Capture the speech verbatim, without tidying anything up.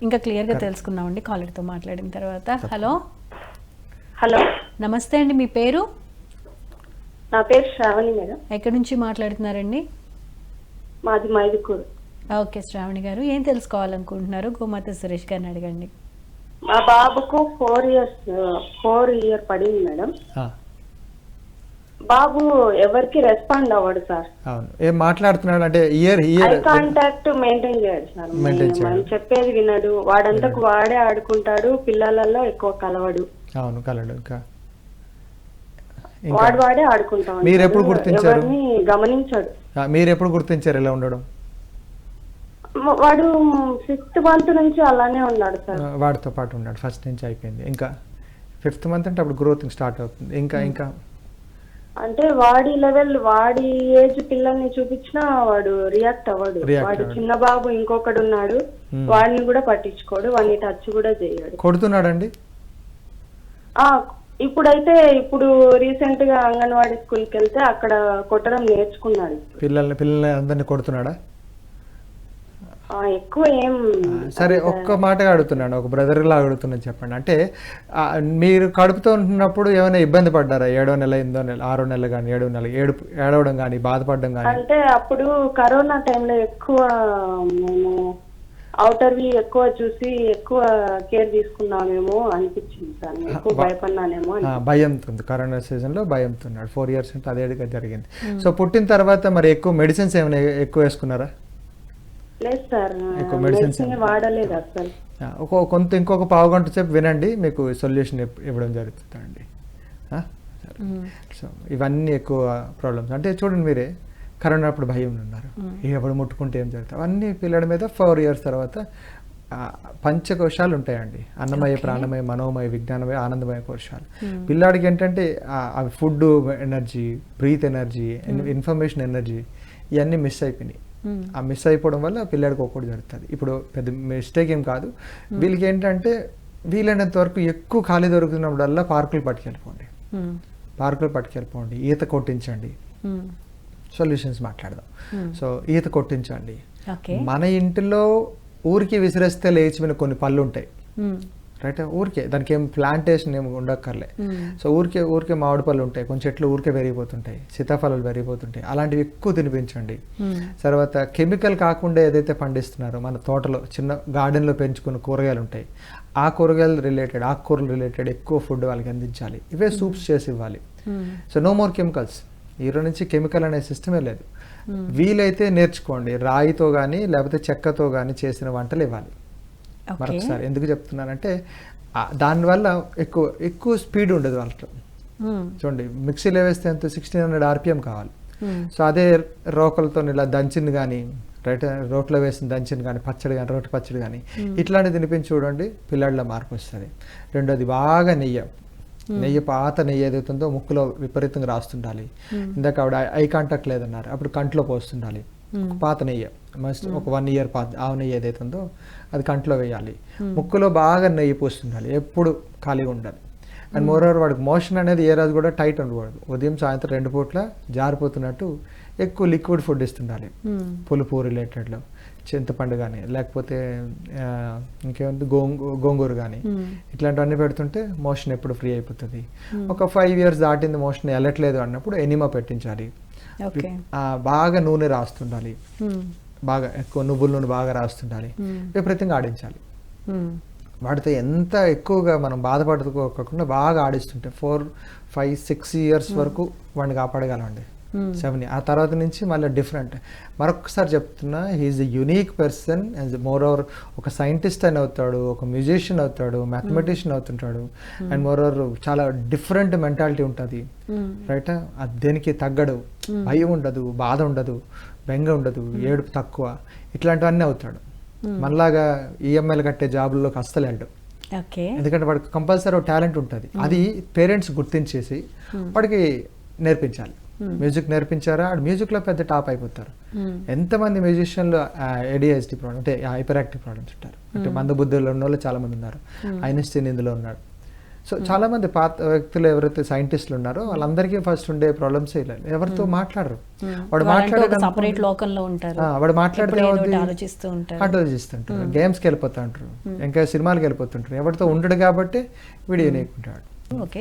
ఇంకా క్లియర్గా తెలుసుకుందామండి కాలర్తో మాట్లాడిన తర్వాత. హలో హలో నమస్తే అండి, మీ పేరు? నా పేరు శ్రావణి మేడం. ఎక్కడి నుంచి మాట్లాడుతున్నారండి? మాది మైదుకూరు. ఓకే శ్రావణి గారు, ఏం తెలుసుకోవాలనుకుంటున్నారు? గోమాత సురేష్ గారిని అడగండి. మా బాబుకు ఫోర్ ఇయర్స్ ఫోర్ ఇయర్ పడింది మేడం. బాబు ఎవరికి రెస్పాండ్ అవ్వడు సార్. అవును, ఏం మాట్లాడుతున్నాడు అంటే ear ear eye contact maintain చేయడు సార్. మనం చెప్పేది వినడు, వాడంతకు వాడే ఆడుకుంటాడు, పిల్లలలో ఎక్కువ కలవడు. అవును కలడు. ఇంకా వాడు వాడే ఆడుకుంటాడు. మీరు ఎప్పుడు గుర్తించారు? గమనించాడు. మీరు ఎప్పుడు గుర్తించారు ఇలా ఉండడం? వాడు సిక్స్త్ మంత్ నుంచి అలానే ఉన్నాడు సార్. వాడితో పాటు ఉన్నాడు ఫస్ట్ నుంచి అయిపోయింది. ఇంకా ఫిఫ్త్ మంత్ అంటే అప్పుడు గ్రోత్ స్టార్ట్ అవుతుంది. ఇంకా ఇంకా అంటే వాడి లెవెల్, వాడి ఏజ్ పిల్లల్ని చూపించినా వాడు రియాక్ట్ అవ్వడు. వాడు చిన్న బాబు ఇంకొకడు ఉన్నాడు, వాడిని కూడా పట్టించుకోడు, వాడిని టచ్ కూడా చేయడు. కొడుతున్నాడండి? ఆ ఇప్పుడైతే ఇప్పుడు రీసెంట్ గా అంగన్వాడీ స్కూల్కి వెళ్తే అక్కడ కొట్టడం నేర్చుకున్నాడు. పిల్లల్ని పిల్లల్ని అందరినీ కొడుతున్నాడా? ఎక్కువ ఏం. సరే, ఒక్క మాటగా అడుగుతున్నాను, ఒక బ్రదర్ లా అడుగుతున్నాను, చెప్పండి. అంటే మీరు కడుపుతో ఉంటున్నప్పుడు ఏమైనా ఇబ్బంది పడ్డారా? ఏడో నెల, ఎనిమిదో నెల, ఆరో నెల కానీ ఏడో నెల ఏడు ఏడవడం కానీ బాధపడడం కానీ? అంటే అప్పుడు కరోనా టైంలో ఎక్కువ మేము అవుటర్వి ఎక్కువ చూసి ఎక్కువ కేర్ తీసుకున్నామేమో అనిపించింది సార్. ఎక్కువ భయపడినానేమో. భయంతో, కరోనా సీజన్ లో భయంతో ఉన్నాడు. ఫోర్ ఇయర్స్ అంటే అదేగా జరిగింది. సో పుట్టిన తర్వాత మరి ఎక్కువ మెడిసిన్స్ ఏమైనా ఎక్కువ వేసుకున్నారా? లేదు సార్, మెడిసిన్స్ వాడలేదు అసలు. కొంత ఇంకొక పావు గంట సేపు వినండి, మీకు సొల్యూషన్ ఇవ్వడం జరుగుతుందండి. సో ఇవన్నీ ఎక్కువ ప్రాబ్లమ్స్. అంటే చూడండి, మీరే కరోనా అప్పుడు భయం ఉన్నారు, ఎప్పుడు ముట్టుకుంటే ఏం జరుగుతుంది, అవన్నీ పిల్లల మీద ఫోర్ ఇయర్స్ తర్వాత పంచకోశాలు ఉంటాయండి. అన్నమయ, ప్రాణమయ, మనోమయ, విజ్ఞానమయ, ఆనందమయ కోశాలు. పిల్లాడికి ఏంటంటే అవి food energy, breath energy, information energy ఇవన్నీ మిస్ అయిపోయినాయి. ఆ మిస్ అయిపోవడం వల్ల పిల్లాడికి ఒక్కటి జరుగుతుంది. ఇప్పుడు పెద్ద మిస్టేక్ ఏం కాదు. వీళ్ళకి ఏంటంటే వీలైనంత వరకు ఎక్కువ ఖాళీ దొరుకుతున్నప్పుడల్లా పార్కులు పట్టుకెళ్ళిపోండి, పార్కులు పట్టుకెళ్ళిపోండి, ఈత కొట్టించండి. సొల్యూషన్స్ మాట్లాడదాం. సో ఈత కొట్టించండి. మన ఇంటిలో ఊరికి విసిరేస్తే లేచిపోయిన కొన్ని పళ్ళు ఉంటాయి, రైట్? ఊరికే దానికి ఏం ప్లాంటేషన్ ఏమి ఉండక్కర్లే. సో ఊరికే ఊరికే మామిడి పళ్ళు ఉంటాయి, కొన్ని చెట్లు ఊరికే పెరిగిపోతుంటాయి, సీతాఫలాలు పెరిగిపోతుంటాయి, అలాంటివి ఎక్కువ తినిపించండి. తర్వాత కెమికల్ కాకుండా ఏదైతే పండిస్తున్నారో మన తోటలో చిన్న గార్డెన్లో పెంచుకున్న కూరగాయలు ఉంటాయి, ఆ కూరగాయలు రిలేటెడ్, ఆకుకూరలు రిలేటెడ్ ఎక్కువ ఫుడ్ వాళ్ళకి అందించాలి. ఇవే సూప్స్ చేసి ఇవ్వాలి. So no more chemicals. ఈరోజు నుంచి కెమికల్ అనే సిస్టమే లేదు. వీలైతే నేర్చుకోండి, రాయితో కానీ లేకపోతే చెక్కతో కానీ చేసిన వంటలు ఇవ్వాలి. మరొకసారి ఎందుకు చెప్తున్నానంటే దానివల్ల ఎక్కువ ఎక్కువ స్పీడ్ ఉండదు వాళ్ళతో. చూడండి, మిక్సీలో వేస్తే ఎంత సిక్స్టీన్ హండ్రెడ్ ఆర్పిఎం కావాలి. సో అదే రోకలతో ఇలా దంచింది కానీ, రైట్, రోట్లో వేసిన దంచింది కానీ, పచ్చడి కానీ, రోటి పచ్చడి కానీ ఇట్లాంటివి తినిపించి చూడండి, పిల్లాడిలో మార్పు వస్తుంది. రెండోది బాగా నెయ్యి, నెయ్యి పాత నెయ్యి ఏదైతుందో ముక్కులో విపరీతంగా రాస్తుండాలి. ఇందాక ఆవిడ ఐ కాంటాక్ట్ లేదన్నారు, అప్పుడు కంట్లో పోస్తుండాలి. పాత నెయ్యి మస్ట్ ఒక వన్ ఇయర్ పాత ఆవు నెయ్యి ఏదైతుందో అది కంట్లో వేయాలి. ముక్కులో బాగా నెయ్యి పోస్తుండాలి, ఎప్పుడు ఖాళీగా ఉండాలి. అండ్ మోరోవర్ వాడికి మోషన్ అనేది ఏ రోజు కూడా టైట్ ఉండకూడదు. ఉదయం సాయంత్రం రెండు పూట్ల జారిపోతున్నట్టు ఎక్కువ లిక్విడ్ ఫుడ్ ఇస్తుండాలి. పులుపు రిలేటెడ్లో చింతపండు కానీ లేకపోతే ఇంకేముంది గోంగూ గోంగూర కానీ ఇట్లాంటివన్నీ పెడుతుంటే మోషన్ ఎప్పుడు ఫ్రీ అయిపోతుంది. ఒక ఫైవ్ ఇయర్స్ దాటింది మోషన్ వెళ్ళట్లేదు అన్నప్పుడు ఎనిమా పెట్టించాలి. బాగా నూనె రాస్తుండాలి, బాగా ఎక్కువ నువ్వుల నూనె బాగా రాస్తుండాలి, విపరీతంగా ఆడించాలి. వాడితో ఎంత ఎక్కువగా మనం బాధపడుకోకుండా బాగా ఆడిస్తుంటే ఫోర్ ఫైవ్ సిక్స్ ఇయర్స్ వరకు వాడిని కాపాడగలండి. సెవెన్ ఆ తర్వాత నుంచి మళ్ళీ డిఫరెంట్. మరొకసారి చెప్తున్నా, he's a unique person. And moreover ఒక సైంటిస్ట్ అని అవుతాడు, ఒక మ్యూజిషియన్ అవుతాడు, మ్యాథమెటిషియన్ అవుతుంటాడు. అండ్ మోర్ ఓవర్ చాలా డిఫరెంట్ మెంటాలిటీ ఉంటుంది, రైట్? దేనికి తగ్గడు, భయం ఉండదు, బాధ ఉండదు, బెంగ ఉండదు, ఏడుపు తక్కువ, ఇట్లాంటివన్నీ అవుతాడు. మనలాగా ఈఎంఐలు కట్టే జాబుల్లోకి అస్సలు వెళ్ళడు. ఎందుకంటే వాడికి కంపల్సరీ టాలెంట్ ఉంటుంది. అది పేరెంట్స్ గుర్తించేసి వాడికి నేర్పించాలి. మ్యూజిక్ నేర్పించారా, ఆడు మ్యూజిక్లో పెద్ద టాప్ అయిపోతారు. ఎంతమంది మ్యూజిషియన్లు ఏడిహెచ్డి ప్రాబ్లమ్ అంటే హైపర్ యాక్టివ్ ప్రాబ్లమ్స్ ఉంటారు, అంటే మందబుద్ధులు ఉన్న వాళ్ళు చాలా మంది ఉన్నారు. ఐన్స్టీన్ ఇందులో ఉన్నాడు. సో చాలా మంది పాత వ్యక్తులు ఎవరైతే సైంటిస్టులు ఉన్నారో వాళ్ళందరికీ ఫస్ట్ ఉండే ప్రాబ్లమ్స్ ఇలా ఎవరితో మాట్లాడరు. వాడు మాట్లాడే సపరేట్ లోకంలో ఉంటారు, వాడు మాట్లాడితే ఏదో ఒకటి ఆలోచిస్తూ ఉంటారు, ఆలోచిస్తుంటారు, గేమ్స్కి వెళ్ళిపోతా ఉంటారు, ఇంకా సినిమాలకు వెళ్ళిపోతుంటారు, ఎవరితో ఉండడు కాబట్టి వీడియో నేర్చుకుంటాడు. ఓకే.